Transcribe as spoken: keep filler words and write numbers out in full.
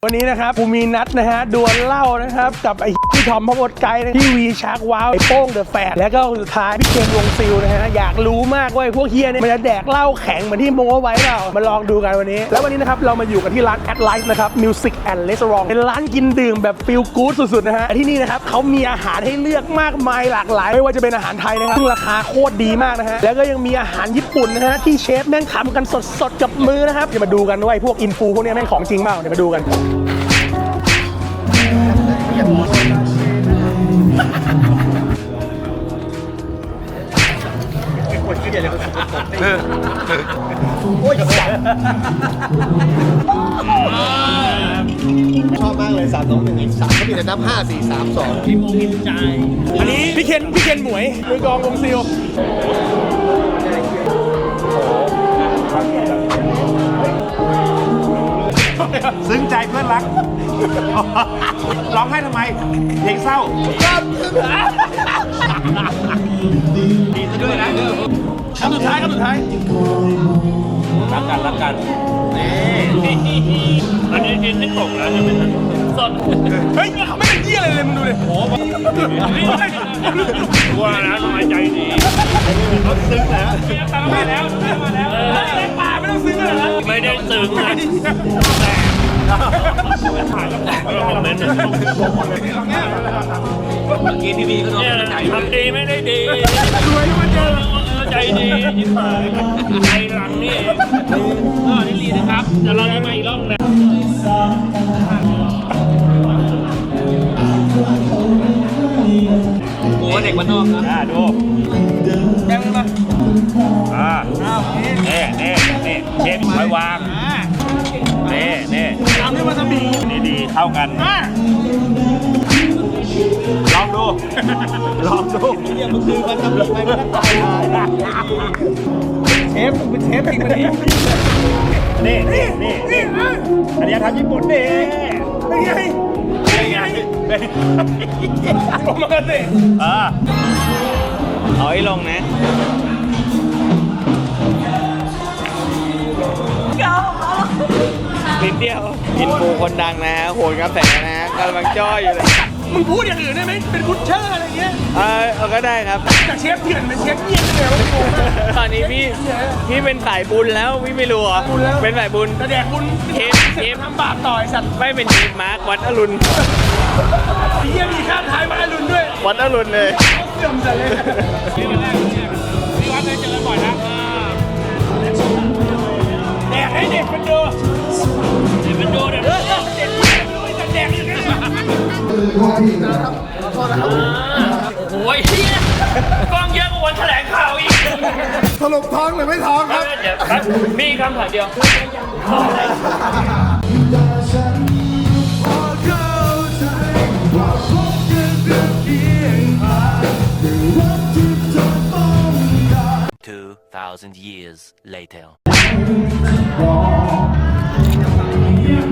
วันนี้นะครับกูมีนัดนะฮะดวลเหล้านะครับกับไอ้พี่ทอมพบดไกด์ที่วีชาร์กว้าวไอ้โป้งเดอะแฟร์แล้วก็สุดท้ายพี่เคนวงซิลนะฮะอยากรู้มากว่าพวกเฮียเนี่ยมันจะแดกเหล้าแข็งเหมือนที่โม้ไว้เปล่ามาลองดูกันวันนี้แล้ววันนี้นะครับเรามาอยู่กันที่ร้าน At Life นะครับ Music and Restaurant เป็นร้านกินดื่มแบบฟีลกู๊ดสุดๆนะฮะที่นี่นะครับเขามีอาหารให้เลือกมากมายหลากหลายไม่ว่าจะเป็นอาหารไทยนะครับซึ่งราคาโคตรดีมากนะฮะแล้วก็ยังมีอาหารญี่ปุ่นนะฮะที่เชฟแม่งทำกันสดๆกับมือนะครับจะมาดูกันว่าพวกอินฟูพวกนี้แม่งของจริงเปล่าเดี๋ยวมาดูกันชอบมากเลยสามสองหนึ่งสามเขามีแต่นับห้าสี่สามสองพิมพ์พิมพ์ใจอันนี้พี่เคนพี่เคนหมวยมือกองวงซิลซึ้งใจเพื่อนรักร้องไห้ทำไมเพลงเศร้าดีซะด้วยนะคำสุดท้ายคำสุดท้ายรักกันรักกันนี่อันนี้กินที่ตกแล้วใช่ไหมสดเฮ้ยเขาไม่เป็นเยี่ยอะไรเลยมึงดูดิโอ้โหว่านะทำไมใจดีเขาซึ้งแล้วมาแล้วมาแล้วในป่าไม่ต้องซึ้งเลยนะไม่ได้ซึ้งนะแต่คอมเมนต์เมื่อกี้ทีวีก็โดนใจทำดีไม่ได้ดีรวยมาเจอใจดียิ้มหายใจหลังนี่ก็นี่ดีนะครับเดี๋ยวเราจะมาอีกรอบนะกูว่าเด็กวันนอกนะดูแบงค์มาอ่าเน่เน่เน่เชฟคอยวางเน่เน่ตามด้วยวาซาบินี่ดีเข้ากันลองดูลองดูเนี่ยมันคือมันทำอะไรไม่ได้เชฟมึงเป็นเชฟจริงไหมนี่นี่นี่นี่อันนี้ทำญี่ปุ่นดิเป็นไงเป็นไงผมมาสิอ่าเอาให้ลงนะนิดเดียวอินฟูคนดังนะฮะโหนกระแสนะฮะกำลังจ้อยอยู่เลยมึงพูดอย่างอื่นได้ไหมเป็นกุชเชอร์อะไรเงี้ยเออเอาก็ได้ครับจากเชฟเถื่อนเป็นเชฟเยี่ยมเลยตอนนี้พี่พี่เป็นสายบุญแล้วพี่ไม่รู้เหรอเป็นสายบุญแสดงบุญเทปเทปทำบาปต่อยสัตว์ไม่เป็นเทปมาร์ควัดอรุณพี่เยี่ยมีข้ามท้ายมาอรุณด้วยวัดอรุณเลยเสื่อมใจเลยพี่วันแรกพี่วัดเลยเจอบ่อยนะแดกให้เด็กมันดูเด็กมันดูเด็กเด็กมันดูแต่แดกอยู่กันโอ้ยกล้องเยอะกว่าวันแถลงข่าวอีกสรุปท้องหรือไม่ท้องครับมีคำถามเดียว two thousand years later